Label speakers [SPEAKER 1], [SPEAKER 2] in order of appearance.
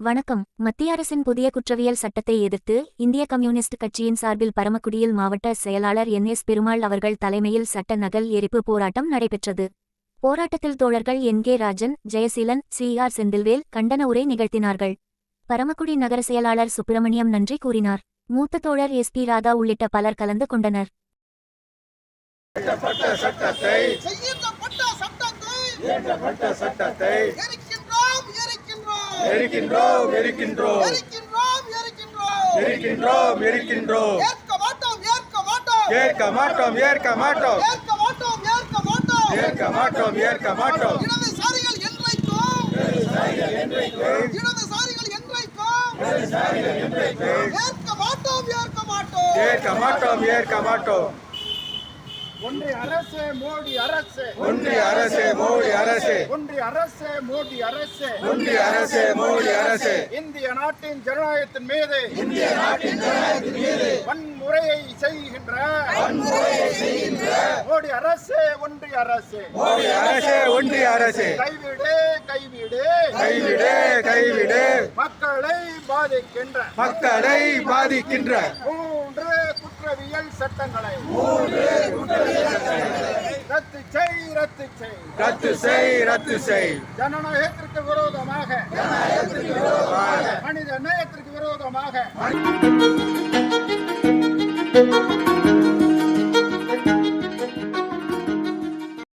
[SPEAKER 1] வணக்கம். மத்திய அரசின் புதிய குற்றவியல் சட்டத்தை எதிர்த்து இந்திய கம்யூனிஸ்ட் கட்சியின் சார்பில் பரமக்குடியில் மாவட்ட செயலாளர் என்.எஸ். பெருமாள் அவர்கள் தலைமையில் சட்ட நகல் எரிப்பு போராட்டம் நடைபெற்றது. போராட்டத்தில் தோழர்கள் என்.கே. ராஜன், ஜெயசீலன், சி.ஆர். செந்தில்வேல் கண்டன உரை நிகழ்த்தினார்கள். பரமக்குடி நகர செயலாளர் சுப்பிரமணியம் நன்றி கூறினார். மூத்த தோழர் எஸ்.பி. ராதா உள்ளிட்ட பலர் கலந்து கொண்டனர்.
[SPEAKER 2] ஒன்றிய அரசு மோடி அரசு,
[SPEAKER 3] ஒன்றிய அரசு மோடி அரசு,
[SPEAKER 2] ஒன்றிய அரசு மோடி அரசு,
[SPEAKER 3] ஒன்றிய அரசு மோடி அரசு,
[SPEAKER 2] இந்திய நாட்டின் ஜனநாயகத்தின் மீது,
[SPEAKER 3] இந்திய நாட்டின் ஜனநாயகத்தின் மீது
[SPEAKER 2] வன்முறையை செய்கின்ற மோடி அரசு, ஒன்றிய அரசு,
[SPEAKER 3] மோடி அரசு, ஒன்றிய அரசு
[SPEAKER 2] கைவிடு கைவிடு
[SPEAKER 3] கைவிடு கைவிடு,
[SPEAKER 2] மக்களை
[SPEAKER 3] பாதிக்கின்ற
[SPEAKER 2] மூன்று குற்றவியல் சட்டங்களை ரத்து செய். ஜனநாயகத்திற்கு விரோதமாக, மனித நேயத்திற்கு விரோதமாக